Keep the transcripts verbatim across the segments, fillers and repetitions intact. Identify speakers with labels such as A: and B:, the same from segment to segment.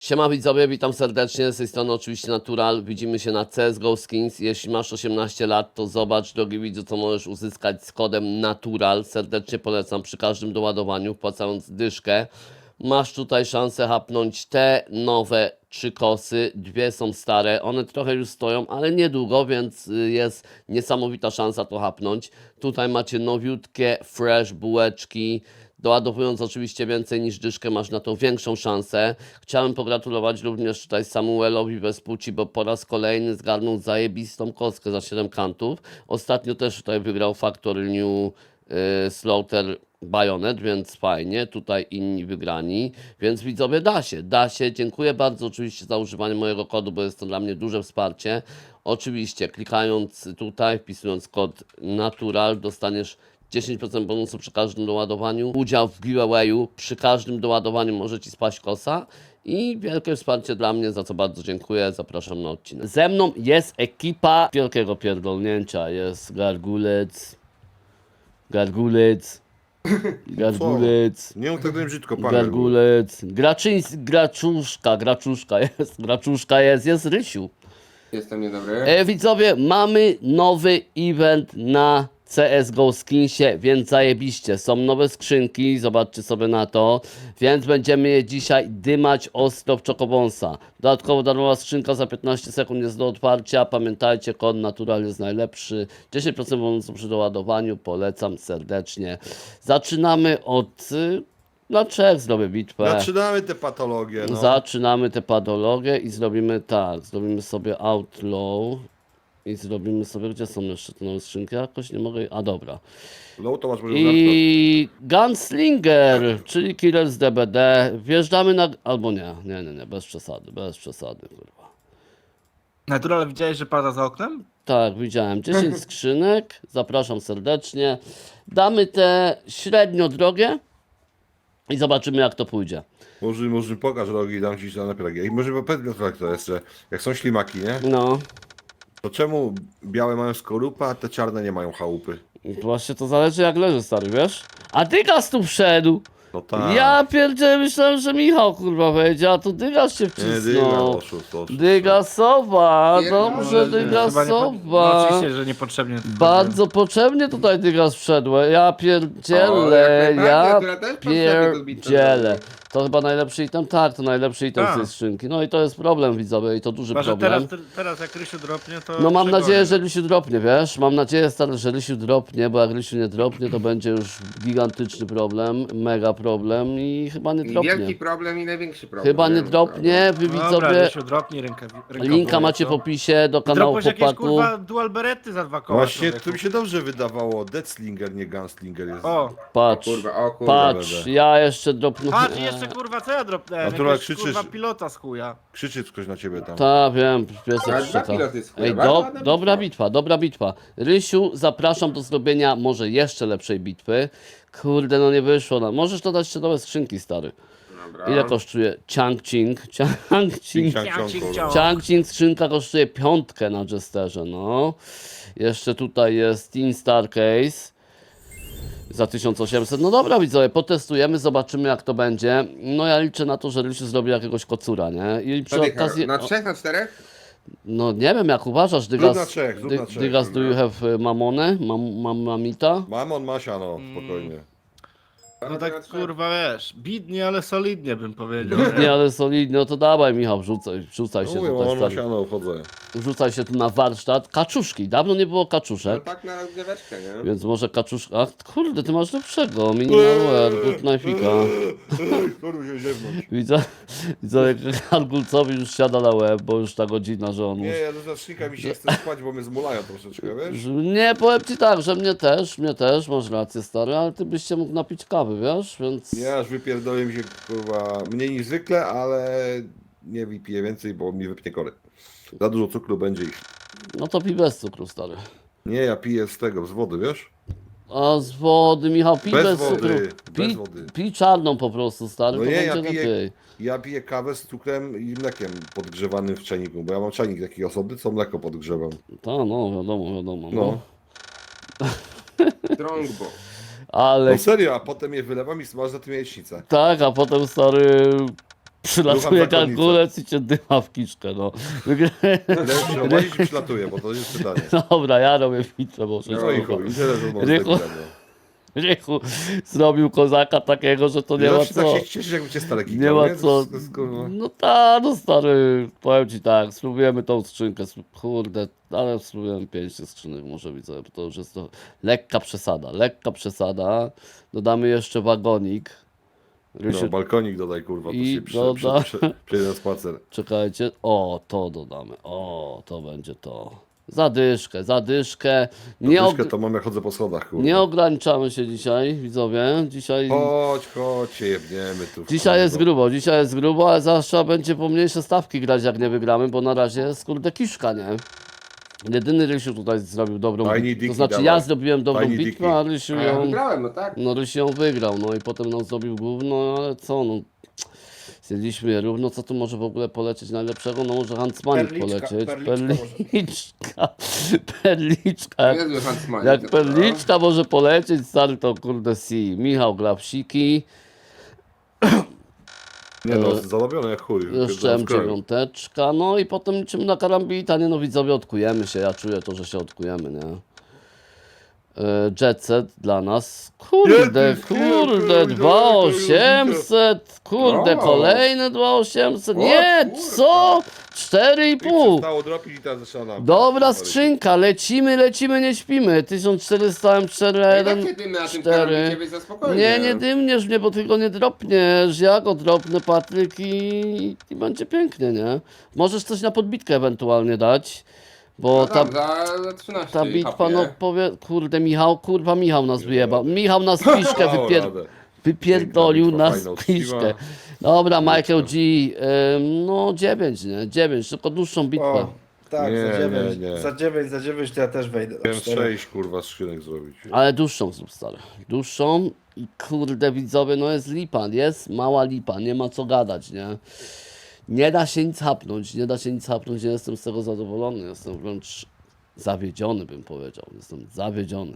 A: Siema widzowie, witam serdecznie, z tej strony oczywiście Natural, widzimy się na C S G O Skins. Jeśli masz osiemnaście lat, to zobacz, drogi widzu, co możesz uzyskać z kodem Natural. Serdecznie polecam przy każdym doładowaniu, wpłacając dyszkę. Masz tutaj szansę hapnąć te nowe trzy kosy, dwie są stare, one trochę już stoją, ale niedługo, więc jest niesamowita szansa to hapnąć. Tutaj macie nowiutkie, fresh bułeczki. Doładowując oczywiście więcej niż dyszkę, masz na to większą szansę. Chciałem pogratulować również tutaj Samuelowi Vespucci, bo po raz kolejny zgarnął zajebistą kostkę za siedem kantów. Ostatnio też tutaj wygrał Factory New yy, Slaughter Bayonet, więc fajnie. Tutaj inni wygrani, więc widzowie, da się, da się. Dziękuję bardzo oczywiście za używanie mojego kodu, bo jest to dla mnie duże wsparcie. Oczywiście klikając tutaj, wpisując kod Natural, dostaniesz dziesięć procent bonusu przy każdym doładowaniu, udział w giveawayu, przy każdym doładowaniu może Ci spaść kosa i wielkie wsparcie dla mnie, za co bardzo dziękuję, zapraszam na odcinek. Ze mną jest ekipa wielkiego pierdolnięcia, jest Gargulec, Gargulec, Gargulec,
B: Nie mów tak brzydko, pan
A: Gargulec, Graczyński, Graczuszka, Graczuszka jest, Graczuszka jest, jest Rysiu.
C: Jestem niedobry.
A: E, widzowie, mamy nowy event na C S G O Skinsie, więc zajebiście. Są nowe skrzynki, zobaczcie sobie na to. Więc będziemy je dzisiaj dymać ostro w Chocobonsa. Dodatkowo darmowa skrzynka za piętnaście sekund jest do otwarcia. Pamiętajcie, kod Natural jest najlepszy. dziesięć procent bonusu przy doładowaniu, polecam serdecznie. Zaczynamy od... Y, na trzech zrobię bitwę.
B: Zaczynamy te patologie, no.
A: Zaczynamy tę patologię i zrobimy tak, zrobimy sobie Outlaw i zrobimy sobie, gdzie są jeszcze te nowe skrzynki, jakoś nie mogę, a dobra.
B: Low to masz może
A: I Gunslinger, czyli Killer z D B D, wjeżdżamy na, albo nie, nie, nie, nie, bez przesady, bez przesady, kurwa.
D: Natural, widziałeś, że pada za oknem?
A: Tak, widziałem, dziesięć skrzynek, zapraszam serdecznie, damy te średnio drogie i zobaczymy, jak to pójdzie.
B: Może, może pokaż rogi i dam ci na napielagi. I może powiedz jak to jest, że jak są ślimaki, nie?
A: No.
B: To czemu białe mają skorupę, a te czarne nie mają chałupy?
A: Właśnie to zależy jak leży, stary, wiesz? A Dygas tu wszedł!
B: No tak.
A: Ja pierdzielę, myślałem, że Michał kurwa wejdzie, a tu Dygas się
B: Nie, dyga,
A: wcisnął.
B: oszust, oszust.
A: Dygasowa,
C: Pierdolę,
A: dobrze
C: że-
D: Chyba nie po... no,
A: Dygasowa.
D: oczywiście, że niepotrzebnie. to
A: Bardzo potrzebnie tutaj Dygas wszedł, ja
C: O,
A: pierdzielę,
C: jak najbardziej,
A: ja
C: która też potrzebny do bitwy
A: pierdzielę.
C: będzie.
A: To chyba najlepszy item, tak, to najlepszy item z
D: Tak.
A: tej skrzynki. No i to jest problem, widzowie, i to duży
D: Chyba, że
A: problem.
D: teraz, teraz jak Rysiu dropnie, to...
A: No mam
D: przegonię.
A: nadzieję, że Rysiu dropnie, wiesz? Mam nadzieję, stary, że Rysiu dropnie, bo jak Rysiu nie dropnie, to będzie już gigantyczny problem, mega problem i chyba nie
C: I
A: dropnie.
C: wielki problem i największy problem.
A: Chyba nie
C: wiem,
A: dropnie, wy
D: Dobra,
A: widzowie,
D: Rysiu, dropnij rękę.
A: linka macie w opisie do kanału
D: Dropłeś jakieś,
A: chłopaków.
D: kurwa, dual berety za dwa koła.
B: Właśnie,
D: człowieku.
B: to mi się dobrze wydawało. Deathslinger, nie Gunslinger jest.
D: O,
A: Patrz,
C: O kurwa, o kurwa.
A: patrz,
B: będę.
A: ja jeszcze dropnę.
D: patrz, jeszcze kurwa, co ja dropnąłem?
B: Natural,
D: Jakiegoś,
B: krzyczysz.
D: kurwa, pilota z chuja.
B: Krzyczy ktoś na ciebie tam.
A: Tak, wiem, piesek
C: Ale
A: szczeka.
C: dwa piloty z chuja,
A: Ej,
C: bardzo
A: do,
C: ładna
A: dobra
C: bitwa.
A: bitwa, dobra bitwa. Rysiu, zapraszam do zrobienia może jeszcze lepszej bitwy. Kurde, no nie wyszło nam. Możesz dodać jeszcze nowe skrzynki, stary.
C: Dobra.
A: Ile kosztuje Chang Ching? Chang Ching.
B: Ciang, ciang,
D: Ciang,
B: kurwa.
D: ciang.
A: Chang Ching skrzynka kosztuje piątkę na Jesterze, no. Jeszcze tutaj jest Teen Star Case za tysiąc osiemset. No dobra, widzowie, potestujemy, zobaczymy jak to będzie. No ja liczę na to, że Rysiu zrobi jakiegoś kocura, nie? I przy
C: Zadycha.
A: okazji...
C: Na trzech, na czterech?
A: No nie wiem, jak uważasz,
B: Zrób
A: Dygas...
B: na trzech, zrób
A: Dy-
B: na trzech,
A: Dygas, do
B: dobra.
A: you have y, mamonę? Mam, mam mamita?
B: Mamon ma siano, spokojnie.
D: No tak, kurwa, wiesz, bidnie, ale solidnie bym powiedział.
A: Nie, ale solidnie, no to dawaj Michał, wrzucaj, wrzucaj się
B: Mówię,
A: tutaj,
B: mamon ma
A: stary.
B: siano, wchodzę.
A: Wrzucaj się tu na warsztat. Kaczuszki, dawno nie było
C: No
A: kaczuszek.
C: tak na rozgryweczkę, nie?
A: Więc może kaczuszka... Ach, kurde, ty masz lepszego. Minimalware, good knife'ika.
B: Kurwa się ziewnątrz.
A: Widzę, widzę jak Argulcowi już siada na łeb, bo już ta godzina, że on
B: Nie,
A: już...
B: ja do zacznika mi się chce spać, bo mnie zmulają troszeczkę, wiesz?
A: że- Nie, powiem ci tak, że mnie też, mnie też, masz rację stary, ale ty byś się mógł napić kawy, wiesz, więc...
B: Ja aż wypierdolę mi się, kurwa, mniej niż zwykle, ale nie wypiję więcej, bo mi wypnie kory. Za dużo cukru będzie ich.
A: No to pij bez cukru, stary.
B: Nie, ja piję z tego, z wody, wiesz?
A: A z wody, Michał, pij bez,
B: Bez wody,
A: cukru.
B: bez
A: Pij,
B: wody.
A: pij czarną po prostu, stary,
B: No
A: to
B: nie,
A: będzie
B: ja piję,
A: lepiej.
B: ja piję kawę z cukrem i mlekiem podgrzewanym w czajniku, bo ja mam czajnik taki osobny, co mleko podgrzewam.
A: Ta, no, wiadomo, wiadomo. No.
B: No.
C: Strongbo.
A: Ale
B: No serio, a potem je wylewam i smażę za tym jajecznicę.
A: tak, a potem stary Przylatuje
B: zakonnica.
A: kalkulec i cię dyma w kiczkę, no.
B: Lepszy prowadzić czy przylatuje, bo to jest pytanie.
A: Dobra, ja robię bitwę, bo coś
B: No i
A: kurwa.
B: chuj, i tyle, że
A: Rychu.
B: można
A: Rychu zrobił kozaka takiego, że to nie ma
B: tak
A: co.
B: się cieszysz, jakby cię stare
A: Nie ma co.
B: To jest, kurwa.
A: No tak, no stary, powiem ci tak, spróbujemy tą skrzynkę, spró- kurde, ale spróbujemy pięć tych skrzynek, może widzę, bo to już jest to lekka przesada, lekka przesada. Dodamy jeszcze wagonik. Rysiu,
B: No, balkonik dodaj, kurwa, to
A: I
B: się przy,
A: doda-
B: przy, przy, przyjdę na spacer.
A: czekajcie, o, to dodamy, o, to będzie to. Zadyszkę, zadyszkę. Nie, og-
B: Dyszkę to mam, jak chodzę po schodach, kurwa.
A: nie ograniczamy się dzisiaj, widzowie. Dzisiaj,
B: Chodź, chodź, się jebniemy tu.
A: dzisiaj jest
B: kurwa.
A: grubo, dzisiaj jest grubo, ale zawsze trzeba będzie pomniejsze stawki grać, jak nie wygramy, bo na razie jest kurde kiszka, nie? Jedyny Rysiu tutaj zrobił dobrą
B: Tiny
A: bitwę. To
B: Dicky,
A: znaczy
B: dawaj.
A: ja zrobiłem dobrą
B: Tiny
A: bitwę,
B: Dicky.
A: a Rysiu
C: A ja
A: ją...
C: wygrałem, no tak.
A: No Rysiu ją wygrał, no i potem nam zrobił gówno, ale co, no... Zjedliśmy je równo, co tu może w ogóle polecieć najlepszego? No może Huntsmanik
E: Perliczka,
A: polecieć.
E: perliczka może.
A: Perliczka, perliczka. Jak,
C: Niezły Huntsman.
A: jak perliczka może polecieć, stary, to kurde si. Michał Glapsiki,
B: Nie no, zarobione jak chuj.
A: jeszcze M
B: Pierdolę w
A: dziewięć, no i potem liczymy na karambita, nie no widzowie, odkujemy się, ja czuję to, że się odkujemy, nie? E, Jet set dla nas, kurde,
B: Jaki
A: kurde,
B: skill,
A: dwa
B: kurde,
A: osiemset, kurde,
C: O.
A: kolejne dwa osiemset,
C: O,
A: nie,
C: kurde.
A: co? cztery i
B: I
A: pół.
B: przestało dropić i teraz zaczyna nam.
A: Dobra skrzynka, lecimy, lecimy, nie śpimy, tysiąc czterysta M cztery
C: Ja
A: jeden,
C: tak dymy na tym
A: cztery.
C: karambicie, więc za spokojnie.
A: Nie, nie dymniesz mnie, bo ty go nie dropniesz, ja go dropnę, Patryk, i, i będzie pięknie, nie? Możesz coś na podbitkę ewentualnie dać, bo
C: No
A: ta,
C: tam, za, za trzynaście
A: ta bitwa,
C: hapie.
A: no powie, kurde Michał, kurwa Michał nas wyjebał, Michał nas piszkę
B: Dało
A: wypier...
B: radę.
A: wypierdolił
B: Piękna bitwa,
A: nas
B: fajna,
A: piszkę.
B: uczciwa.
A: Dobra, Michael G, ym, no dziewięć, nie? dziewięć, tylko dłuższą bitwę.
E: O, tak,
B: Nie,
E: za dziewięć.
B: nie, nie.
E: Za dziewięć, za dziewięć to ja też wejdę. na
B: Miałem
E: cztery.
B: sześć, kurwa, skrzynek zrobić.
A: Ale dłuższą zrób, stary. Dłuższą i kurde widzowie, no jest lipa, jest mała lipa, nie ma co gadać, nie? Nie da się nic hapnąć, nie da się nic hapnąć, nie jestem z tego zadowolony, jestem wręcz zawiedziony, bym powiedział, jestem zawiedziony.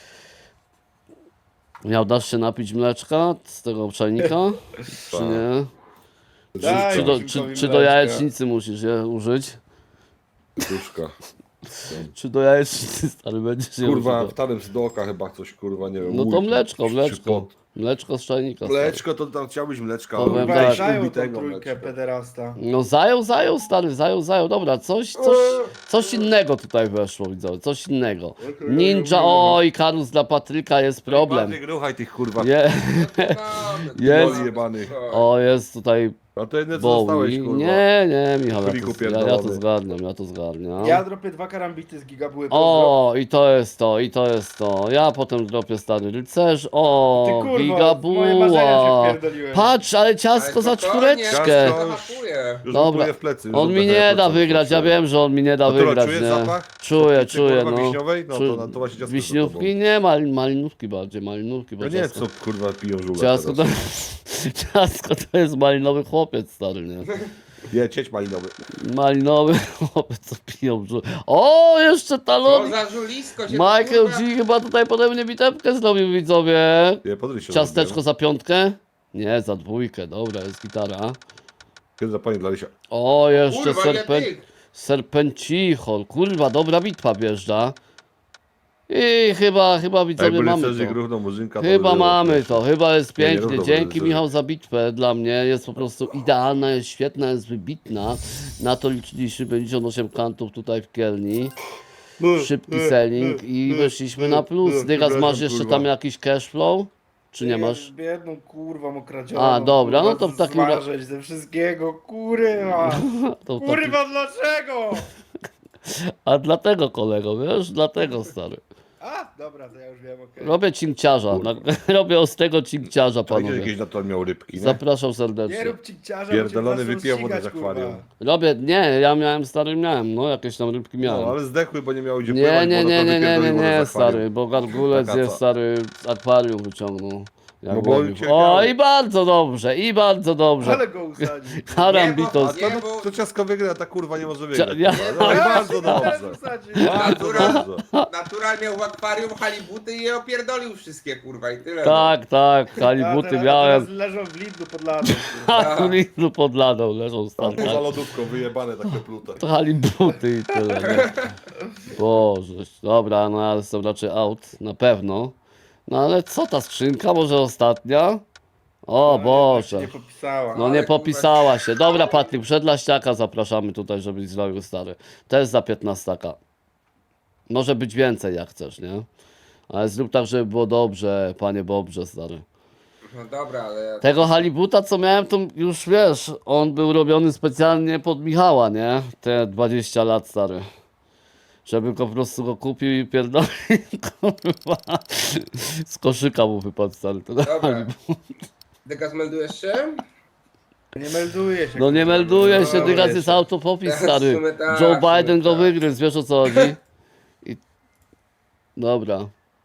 A: Miał, dasz się napić mleczka z tego obszajnika, czy nie?
E: Daj
A: Czy do,
E: Marcinkowi
A: czy, czy do
E: mleczka.
A: jajecznicy musisz je użyć?
B: Duszka.
A: Czy do jajecznicy, stary, będziesz je
B: Kurwa,
A: używał?
B: w tarym z dołka chyba coś, kurwa, nie wiem.
A: No to
B: łódź,
A: mleczko,
B: czy- czy
A: mleczko.
B: pot.
A: Mleczko z czajnika. stary.
B: Mleczko, to tam chciałbyś mleczka.
A: Powiem
B: ale
A: tak.
E: Kurwa, zajął tą
B: ubitego
E: trójkę
B: mleczka.
E: pederasta.
A: No zajął, zajął, stary, zajął, zajął. Dobra, coś, coś, coś innego tutaj weszło, widzowie, coś innego. Ninja, oj, Karus dla Patryka jest problem.
B: Patryk, ruchaj tych, kurwa,
A: Je,
C: No,
A: Jest.
C: no,
B: jebanych.
A: o, jest tutaj
B: A to jedne co
A: Bowie.
B: dostałeś, kurwa.
A: Nie, nie, Michał, ja
B: Friku
A: to, ja, ja to
B: pierdolony.
A: zgarniam, ja to zgarniam.
E: Ja dropię dwa karambity z gigabuły.
A: O, i to jest to, i to jest to. Ja potem dropię stary rycerz. O,
E: Ty kurwa,
A: gigabuła.
E: moje marzenia się wpierdoliłem.
A: Patrz, ale ciastko za czwóreczkę.
B: Ciastko.
C: Zahapuje.
B: Już
A: Dobra.
B: Dobra. w plecy. już
A: On mi
B: oddechę,
A: nie
B: jak
A: da
B: to
A: wygrać, ja
B: coś.
A: wiem, że on mi nie da
B: A to
A: wygrać,
B: czujesz
A: nie?
B: zapach?
A: Czuję,
B: Ty,
A: czuję,
B: kurwa,
A: no.
B: wiśniowej? No
A: Czu-
B: to- to właśnie ciastko
A: Wiśniówki? Nie, mal, malinówki bardziej, malinówki, bo
B: No nie,
A: ciastko,
B: co kurwa piją żule
A: ciastko, to,
B: teraz.
A: ciastko to jest malinowy chłopiec, stary, nie?
B: Nie, cieć malinowy.
A: Malinowy chłopiec, co piją brzuch. O, jeszcze
C: Co
A: talon!
C: za żulisko się
A: Michael
C: kurwa-
A: G chyba tutaj pode mnie bitewkę zrobił, widzowie.
B: Nie, podryj się.
A: Ciasteczko za piątkę? Nie, za dwójkę, dobra, jest gitara.
B: Kiedy zapanie dla Rysia.
A: O, jeszcze
C: Kurwa, nie
A: serpen...
C: tych.
A: serpencichol, kurwa, dobra bitwa wjeżdża. I chyba, chyba
B: Jak
A: widzowie
B: byli
A: mamy
B: cerzy
A: to.
B: równo murzynka, to
A: Chyba
B: by było
A: mamy
B: też.
A: to, chyba jest
B: Nie, nie
A: pięknie.
B: równo
A: Dzięki
B: będzie.
A: Michał za bitwę, dla mnie jest po prostu idealna, jest świetna, jest wybitna. Na to liczyliśmy pięćdziesiąt osiem kantów tutaj w Kielni. Szybki selling i weszliśmy na plus. Dygas, masz jeszcze tam jakiś cashflow? Czy nie masz?
E: Biedną kurwa okradzioną.
A: A, dobra, no to w
E: kurwa,
A: takim ra-
E: zmarzeć ze wszystkiego, kurwa.
A: To taki...
E: Kurwa, dlaczego?
A: A dlatego kolego, wiesz? Dlatego stary.
E: A, dobra, to ja już wiem, okej.
A: Robię cinkciarza, na... robię ostrego cinkciarza,
B: To idzie
A: panowie.
B: jakieś na to miał rybki, nie?
A: Zapraszam
E: Nie
A: serdecznie.
E: rób cikciarza,
B: Pierdolony
E: bo cię
B: wypija
E: zaczną
B: wodę z
E: ścigać,
B: akwarium.
E: kurwa.
A: Robię, nie, ja miałem stary, miałem, no jakieś tam rybki miałem.
B: No, ale zdechły, bo nie miały gdzie
A: Nie,
B: pływać,
A: nie,
B: bo
A: nie,
B: no to
A: nie, nie, nie,
B: wypierdolił wodę
A: nie,
B: z akwarium.
A: stary, bo gargulec
B: Taka
A: jest
B: co?
A: stary z akwarium wyciągnął. Jak
B: No bo
A: mówił.
B: cię
A: O,
B: miało.
A: i bardzo dobrze, i bardzo dobrze.
E: Ale go usadził.
A: Harambitos.
C: Nie,
B: A
C: bo-
B: to, no, to ciasko wygra, ta kurwa nie może wygrać.
A: ja-
B: kurwa. No i bardzo
E: Teraz
B: dobrze.
E: usadził.
B: Bardzo
C: Natura-
B: dobrze.
C: Natural miał w akwarium halibuty i je opierdolił wszystkie, kurwa, i tyle.
A: Tak, tak,
E: A
A: halibuty
E: teraz- a
A: miałem.
E: teraz leżą w Lidlu pod ladą. kurwa.
A: A tu Lidlu pod ladą leżą
B: Tam
A: stare.
B: poza lodówką wyjebane takie plute.
A: To halibuty i tyle. Nie? Boże, dobra, no ale są raczej out, na pewno. No ale co ta skrzynka, może ostatnia? O
E: No,
A: Boże.
E: Nie popisała.
A: No
C: Ale
A: nie
C: kurwa-
A: popisała się. Dobra, Patryk, przed Laściaka zapraszamy tutaj, żebyś zrobił stary. Też za piętnastaka. Może być więcej jak chcesz, nie? Ale zrób tak, żeby było dobrze, panie Bobrze, stary.
C: No dobra, ale...
A: Tego halibuta, co miałem, to już wiesz, on był robiony specjalnie pod Michała, nie? Te dwadzieścia lat, stary. Żeby go po prostu go kupił i pierdolił, kurwa. Z koszyka mu wypadł, stary. To
C: Dobra. Dygas, meldujesz się?
E: Nie melduje się.
A: No nie
E: kurwa.
A: melduje się,
E: No,
A: teraz
E: wiesz.
A: jest autopopis,
C: W
A: stary.
C: sumie tak,
A: Joe
C: w sumie
A: Biden go
C: tak.
A: wygryzł, wiesz o co chodzi? I... Dobra.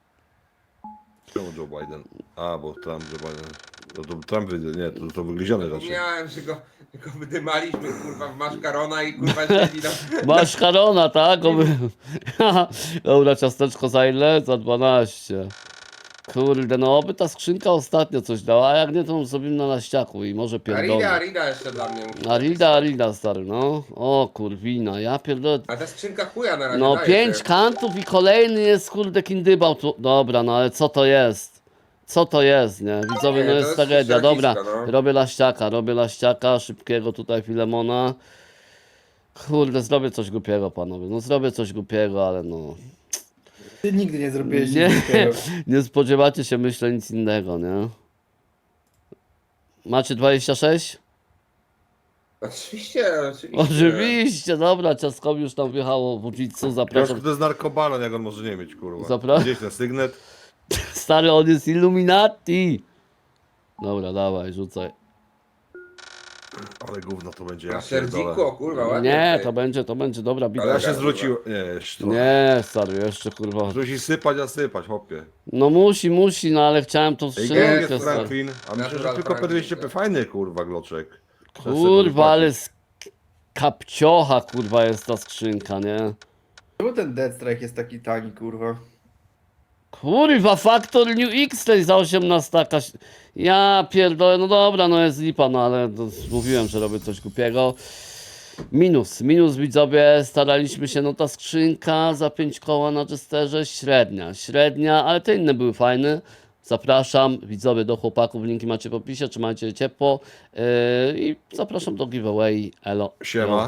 B: Czemu Joe Biden? A, bo Trump, Joe Biden. No to Trump wyjdzie, nie, to, to wygryziony raczej.
C: Zapomniałem, że go, że go wydymaliśmy, kurwa, w maszkarona i kurwa siedzi tam.
A: Masz Karona, tak? Oby... Dobra, ciasteczko za ile? Za dwanaście. Kurde, no oby ta skrzynka ostatnio coś dała, a jak nie, to zrobimy na laściaku i może
C: Arida,
A: pierdolę.
C: Arida jeszcze dla mnie. musi
A: Arida, Arida, stary, no. O kurwina, ja pierdolę.
C: A ta skrzynka chuja na razie
A: No
C: daje
A: pięć
C: się.
A: kantów i kolejny jest kurde kindybał tu. Dobra, no ale co to jest? Co to jest, nie? Widzowie,
C: Nie,
A: no
C: to
A: jest
C: jest
A: tragedia. Dobra,
C: ściernisko, no.
A: robię laściaka, robię laściaka, szybkiego tutaj Filemona. Kurde, zrobię coś głupiego, panowie. No zrobię coś głupiego, ale no.
E: Ty nigdy nie zrobiłeś
A: Nie,
E: nic takiego.
A: nie spodziewacie się, myślę, nic innego, nie? Macie dwadzieścia sześć?
C: Oczywiście, oczywiście.
A: Oczywiście, dobra, ciastkowi już tam wjechało w uliczu,
B: Proszę,
A: zapraszam.
B: to jest narkobaron, jak on może nie mieć, kurwa.
A: Zapra-
B: Gdzieś ten sygnet.
A: Stary, on jest Illuminati. Dobra, dawaj, rzucaj.
B: Ale gówno to będzie,
C: Na
B: ja pierdolę.
C: serdziku, kurwa, ładnie.
A: Nie,
C: tutaj.
A: to będzie, to będzie dobra bitwa.
B: Ja
C: Ale
B: się
C: kurwa.
B: zwrócił. Nie, jeszcze. Nie.
A: Nie, stary, jeszcze kurwa.
B: Musi sypać, a sypać, hopie.
A: No musi, musi, no ale chciałem tą
B: Ej,
A: skrzynkę,
B: jest
A: stary.
B: Franklin. A myślę, że
C: Natural
B: tylko P
C: Franklin,
B: dwieście P
C: tak.
B: fajny, kurwa, gloczek.
A: Kurwa, ale z kapciocha, kurwa, jest ta skrzynka, nie?
E: Czemu ten Dead Strike jest taki tani, kurwa?
A: Kurwa, Factor New X tej za osiemnaście. Ja pierdolę, no dobra, no jest lipa, no ale to mówiłem, że robię coś głupiego. Minus, minus widzowie, staraliśmy się, no ta skrzynka za pięć koła na Jesterze, średnia, średnia, ale te inne były fajne. Zapraszam widzowie do chłopaków, linki macie w opisie, trzymajcie ciepło yy, i zapraszam do giveaway, elo.
B: Siema.